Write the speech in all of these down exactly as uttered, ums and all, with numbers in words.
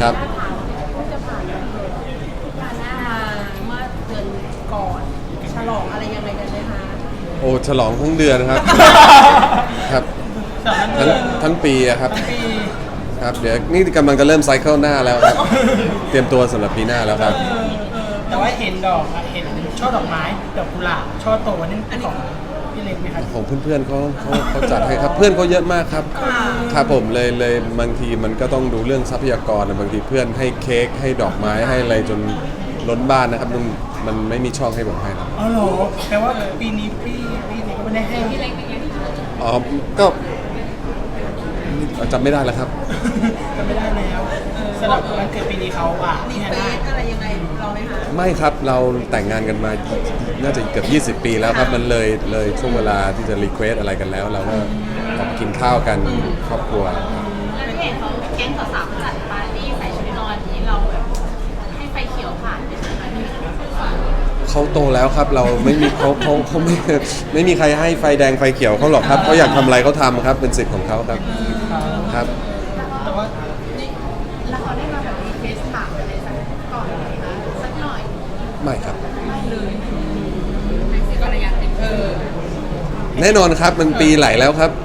ครับเพิ่งจะผ่านงานมาเมื่อเดือนก่อนฉลองอะไรยังไงกันไหมคะโอ้ฉลองทั้งเดือนครับ ครับทั้งทั้งปีอะครับครับเดี๋ยวนี่กำลังจะเริ่มไซเคิลหน้าแล้วครับ เตรียมตัวสำหรับปีหน้าแล้วครับแต่ว่าเห็นดอกอะเห็นช่อดอกไม้ดอกกุหลาบช่อโตนี่ของพี่เล็กไหมครับของเพื่อนๆเขาเขาเขาจัดให้ครับเพื่อนเขาเยอะมากครับครับผมเลยเลยบางทีมันก็ต้องดูเรื่องทรัพยากรนะบางทีเพื่อนให้เค้กให้ดอกไม้ให้อะไรจนล้นบ้านนะครับมันมันไม่มีช่องให้ผมให้นะอ๋อเหรอแปลว่าปีนี้พี่พี่เล็กก็ไม่ได้ให้พี่เล็กอ๋อก็จำไม่ได้แล้วครับก็ไม่ได้แล้วสำหรับวันเกิดปีนี้เขาอ่ะรีที่เฟได้ซอะไรยังไงเราไหมคะไม่ครับเราแต่งงานกันมาน่าจะเกือบยี่สิบปีแล้วครับมันเลยเลยช่วงเวลาที่จะรีเควสอะไรกันแล้วเราก็ออกไปกินข้าวกันครอบครัวแล้วพี่เห็นเขาแก๊งสาวๆจัดปาร์ตี้ใส่ชุดนอนนี้เราแบบให้ไฟเขียวผ่านไปใช่ไหมพี่เขาโตแล้วครับเราไม่มีเขาเขาเขาไม่ไม่มีใครให้ไฟแดงไฟเขียวเขาหรอกครับเขาอยากทำอะไรเขาทำครับเป็นสิทธิ์ของเขาครับครับแต่ว่าแล้วเขาได้มาแบบรีเควสถามอะไรสักก่อนไหมคะสักหน่อยไม่ครับก็เลยอยากเป็นเออแน่นอนครับมันปีไหลแล้วครับ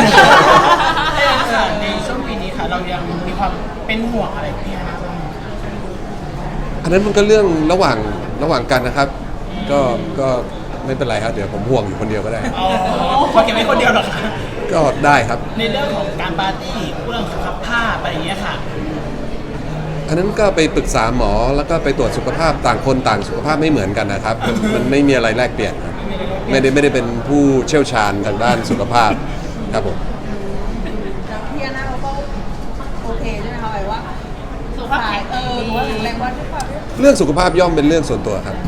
ในช่วงปีนี้ค่ะเรายังมีความเป็นห่วงอะไรพี่ฮานะบ้างอันนั้นมันก็เรื่องระหว่างระหว่างกันนะครับ ก็ก็ไม่เป็นไรครับเดี๋ยวผมห่วงอยู่คนเดียวก็ได้อ๋อพอเก็บไว้คนเดียวเหรอคะก็ได้ครับในเรื่องของการปาร์ตี้เรื่องสุขภาพอะไรอย่างเงี้ยค่ะอันนั้นก็ไปปรึกษาหมอแล้วก็ไปตรวจสุขภาพต่างคนต่างสุขภาพไม่เหมือนกันนะครับ มันไม่มีอะไรแลกเปลี่ยนครับไม่ได้ไม่ได้เป็นผู้เชี่ยวชาญทางด้านสุขภาพครับผมแล้วพี่อาน่าเขาก็โอเคใช่ไหมคะหมายว่าสุขภาพแข็งเออหรือว่าแข็งแรงว่าด้วยความที่เรื่องสุขภาพย่อมเป็นเรื่องส่วนตัวครับ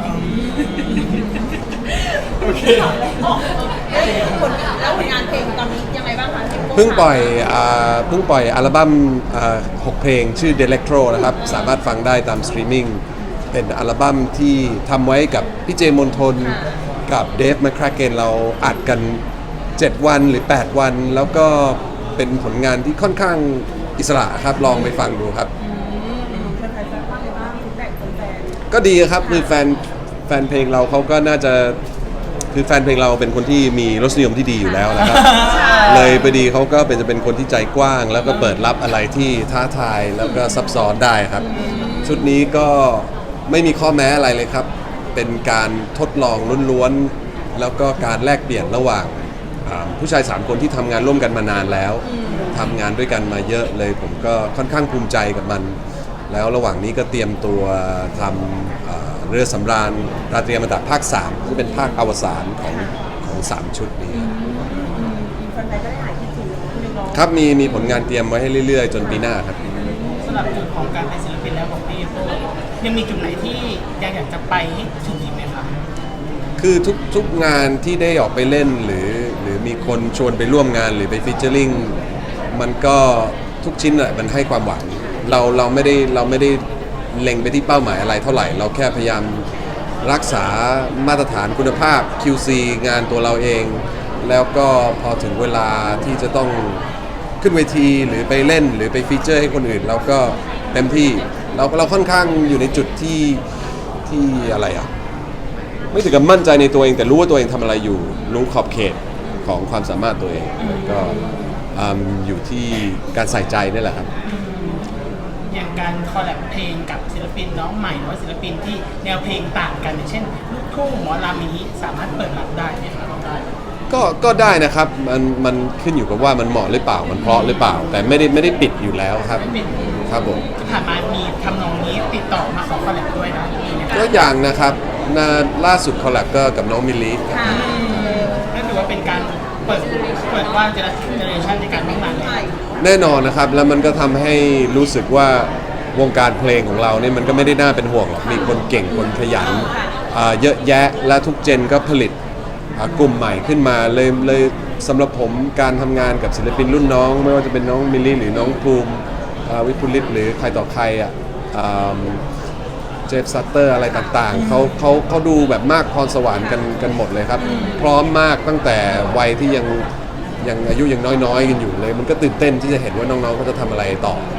โอเคผลงานแล้วผลงานเพลงตอนนี้ยังไงบ้างคะที่โพสต์เพิ่งปล่อยอ่าเพิ่งปล่อยอัลบั้มอ่าหกเพลงชื่อ Delectro นะครับสามารถฟังได้ตามสตรีมมิ่งเป็นอัลบั้มที่ทำไว้กับพี่เจมนทนกับเดฟแมคคราเกนเราอัดกัน เจ็ด วันหรือ แปด วัน แล้วก็เป็นผลงานที่ค่อนข้างอิสระครับลองไปฟังดูครับแฟนๆจะว่าไงบ้างฟีดแบ็กแฟนก็ดีครับคือแฟนแฟนเพลงเราเขาก็น่าจะคือแฟนเพลงเราเป็นคนที่มีรสนิยมที่ดีอยู่แล้วนะครับ เลยพอดีเขาก็เป็นจะเป็นคนที่ใจกว้าง แล้วก็เปิดรับอะไรที่ท้าทายแล้วก็ซับซ้อนได้ครับ ชุดนี้ก็ไม่มีข้อแม้อะไรเลยครับ เป็นการทดลองล้วนๆแล้วก็การแลกเปลี่ยนระหว่างอ่าผู้ชายสามคนที่ทำงานร่วมกันมานานแล้วทำงานด้วยกันมาเยอะเลย ผมก็ค่อนข้างภูมิใจกับมัน แล้วระหว่างนี้ก็เตรียมตัวทำเอ่อเรือสำราญราตรีอมตะภาคสามที่เป็นภาคอวสานของของสามชุดนี้ๆแฟนๆก็ได้หายคิดถึงเพลงร้องครับมีมีผลงานเตรียมไว้ให้เรื่อยๆ จนปีหน้าครับสำหรับจุดของการเป็นศิลปินแล้วของพี่โตยังมีจุดไหนที่ยังอยากจะไปให้ถึงอีกไหมคะคือทุกทุกงานที่ได้ออกไปเล่นหรือหรือมีคนชวนไปร่วมงานหรือไปฟีเจอริงมันก็ทุกชิ้นอะมันให้ความหวังเราเราไม่ได้เราไม่ได้เล็งไปที่เป้าหมายอะไรเท่าไหร่ เราแค่พยายามรักษามาตรฐานคุณภาพ คิว ซี งานตัวเราเอง แล้วก็พอถึงเวลาที่จะต้องขึ้นเวทีหรือไปเล่นหรือไปฟีเจอร์ให้คนอื่น เราก็เต็มที่เราเราค่อนข้างอยู่ในจุดที่ที่อะไรอ่ะ ไม่ถึงกับมั่นใจในตัวเองแต่รู้ว่าตัวเองทำอะไรอยู่ รู้ขอบเขตของความสามารถตัวเองก็อืมอยู่ที่การใส่ใจนี่แหละครับอย่างการคอลแลบเพลงกับศิลปินน้องใหม่หรือว่าศิลปินที่แนวเพลงต่างกันอย่างเช่นลูกทุ่งหมอลำอย่างนี้สามารถเปิดรับได้ไหมคะได้ก็ก็ได้นะครับมันมันขึ้นอยู่กับว่ามันเหมาะหรือเปล่ามันเพราะหรือเปล่า แต่ไม่ได้ไม่ได้ปิดอยู่แล้วครับครับผมที่ผ่านมามีทำนองนี้ติดต่อมาขอคอลแลบด้วยนะมีไหมคะก็อย่างนะครับนาล่าสุดคอลแลบก็กับน้องมิลลิครับนั่นถือว่าเป็นการเปิดเปิดว่าเจเนอเรชันในการร่วมงานเลยแน่นอนนะครับแล้วมันก็ทำให้รู้สึกว่าวงการเพลงของเราเนี่ยมันก็ไม่ได้น่าเป็นห่วงหรอกมีคนเก่งคนขยันอ่าเยอะแยะและทุกเจนก็ผลิตอ่ากลุ่มใหม่ขึ้นมาเลยเลยสำหรับผมการทำงานกับศิลปินรุ่นน้อง ไม่ว่าจะเป็นน้องมิลลี่หรือน้องภูมิอ่าวิพุลิตหรือใครต่อใครอ่ะอ่าเจฟซัตเตอร์อะไรต่างๆเขาเขาเขาดูแบบมากพรสวรรค์กันกันหมดเลยครับ พร้อมมากตั้งแต่วัยที่ยังยังอายุยังน้อยๆกันอยู่เลย มันก็ตื่นเต้นที่จะเห็นว่าน้องๆเขาจะทำอะไรต่อ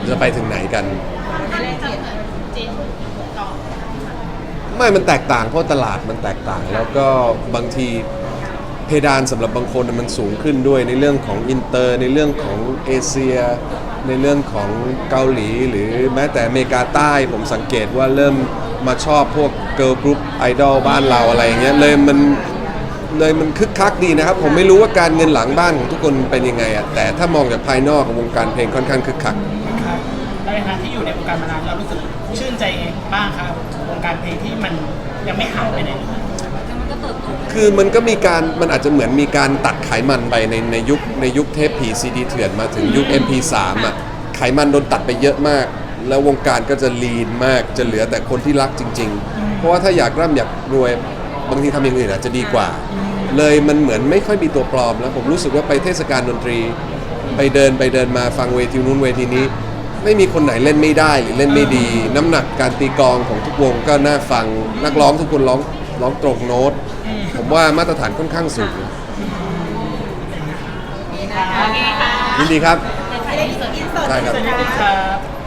จะไปถึงไหนกันถ้าจะเหมือนเจนก่อนไม่มันแตกต่างเพราะตลาดมันแตกต่าง แล้วก็บางทีเพดานสำหรับบางคนมันสูงขึ้นด้วยในเรื่องของอินเตอร์ในเรื่องของเอเชีย ในเรื่องของเกาหลี หรือแม้แต่อเมริกาใต้ผมสังเกตว่าเริ่มมาชอบพวกเกิร์ลกรุ๊ปไอดอลบ้านเราอะไรอย่างเงี้ยเลยมันเลยมันคึกคักดีนะครับ ผมไม่รู้ว่าการเงินหลังบ้านของทุกคนเป็นยังไงอะแต่ถ้ามองจากภายนอกของวงการเพลงค่อนข้างคึกคักครับแล้วในฐานะที่อยู่ในวงการมานานเรารู้สึกชื่นใจบ้างครับวงการเพลงที่มันยังไม่หายไปไหนเลยมันก็เติบโตคือมันก็มีการมันอาจจะเหมือนมีการตัดไขมันไปในในยุคในยุคเทปผีซีดีเถื่อนมาถึงยุค เอ็ม พี สาม อ่ะไขมันโดนตัดไปเยอะมาก แล้ววงการก็จะลีนมากจะเหลือแต่คนที่รักจริง ๆ เพราะว่าถ้าอยากร่ำอยากรวยบางทีทำอย่างอื่นอาจจะดีกว่า เลยมันเหมือนไม่ค่อยมีตัวปลอมแล้วผมรู้สึกว่าไปเทศกาลดนตรี ไปเดินไปเดินมาฟังเวทีนู้นเวทีนี้ ไม่มีคนไหนเล่นไม่ได้หรือเล่นไม่ดี น้ำหนักการตีกลองของทุกวงก็น่าฟังนักร้องทุกคนร้องร้องตรงโน้ต ผมว่ามาตรฐานค่อนข้างสูงโอเคค่ะยินดีครับไม่ได้อินเสิร์ตใช่ครับสวัสดีครับ